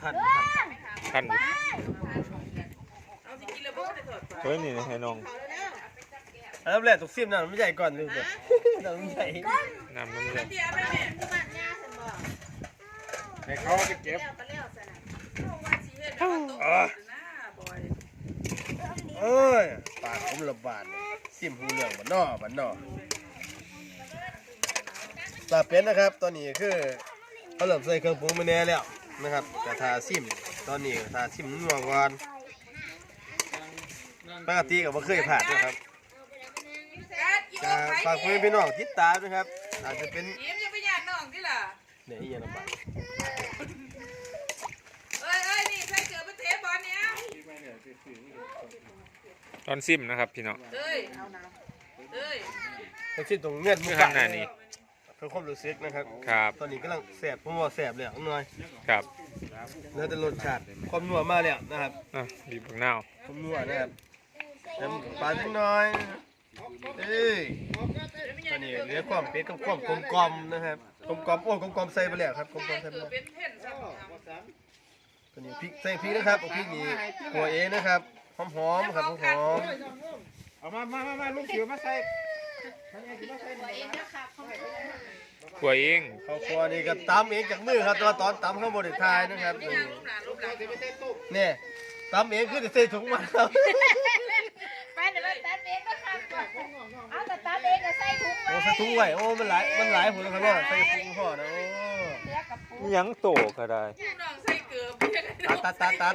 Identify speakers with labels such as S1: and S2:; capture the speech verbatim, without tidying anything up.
S1: ทัน
S2: ท่าน
S3: เอาสิกินแล้วบ่ได้ถอด
S2: เฮ้ยนี่ให้น้อง
S1: อันดับแรกต้องซิมน้ำมันใหญ่ก่อนเลยเด้อน้ำมันใหญ่
S2: น้ำน้ำเลย
S3: เดี๋ยวไปแม่
S4: ที่บ้านย่าฉันบอก
S5: ให้เขาไปเก็บ
S4: แล้วก็แล้วสนะ
S3: ว่าสิเฮ็ดแบบว่าโตนะบอย
S1: เอ้ยปากผมระบาดซิมหูเรื่องบันนอบันนอปลาเป็นนะครับตอนนี้คือเขาเริ่มใส่เครื่องปรุงมาแน่แล้วนะครับกระทาซิมตอนนี้กระทาซิมนัวก่อนปกติก็บ่เคยผ่านนะครับ
S3: กัดอยู่
S1: จะ
S3: ไป
S1: ฝากเพื่อนพี่น้องติดตามนะครับอาจจะเป็น
S3: ยิ้มอย่าไปญาติน้องติล่ะ
S1: เนี่ยอีหยังลำบาก
S3: เอ้ยเอ้ยนี่ใส่เกลือไปเทบอลเนี่ย
S2: ตอนซิมนะครับพี่น้อง
S3: เอ้ยเอ้ย
S1: ทั้งสิ้นตรงเงื่อนมุ
S2: คื
S1: ก
S2: อ
S1: ปา
S2: ข้างหน้านี่
S1: เพื่อความรู้สึกนะครับ
S2: ครับ
S1: ตอนนี้กำลังแสบผมว่าแสบเลยอ่ะหน่อย
S2: ครับ
S1: เนื้อแต่รสชาติความนัวมากเลยนะครับ
S2: อ่ะบีบบักนาว
S1: ความนัวนะครับน้ำปลาทิ้งน้อยเอ้ยตอนนี้เนื้อความเป็ดกับความกลมกลมๆนะครับกลมกลมๆโอ้ยกลมกลมๆใส่ไปแล้วครับกลมกลมๆใส่ไป
S3: เกลือ
S1: แล้ว
S3: เป็นเพ่นซ้ำ
S1: ตอนนี้พริกใส่พริกนะครับเอาพริกนี้กัวเองนะครับหอมหอมๆครับหอมหอม
S5: เอามามามามาลูกเสือมาใส่
S4: ตัวเองนะคะเขาไม่ได้
S2: กล้วยเอง
S1: ๆข้าวคั่วนี่ก็ตำเองจากมือครับแตัวาตอนตำข้าวบดทายนะครับ
S3: นี่
S1: นี่
S3: นางรูปหลานรูปหลาน
S1: เนี่ยตำเองคือจะใส่ถุงมาครับ
S4: ไปเดี๋ยวเราตัดเองก็ค่ะเอาแต่ตัดเองก็ใส่ถุงไว้
S1: โอ้ใส่ถุงไว้โอ้มันหลายมันหลายหัวครับว่าใส่ถุงห่อนะโอ้
S4: เสือกับปู
S2: ยังโตก็ได้
S3: น้องใส่เกลือ
S1: ตัดตัดตัดตัด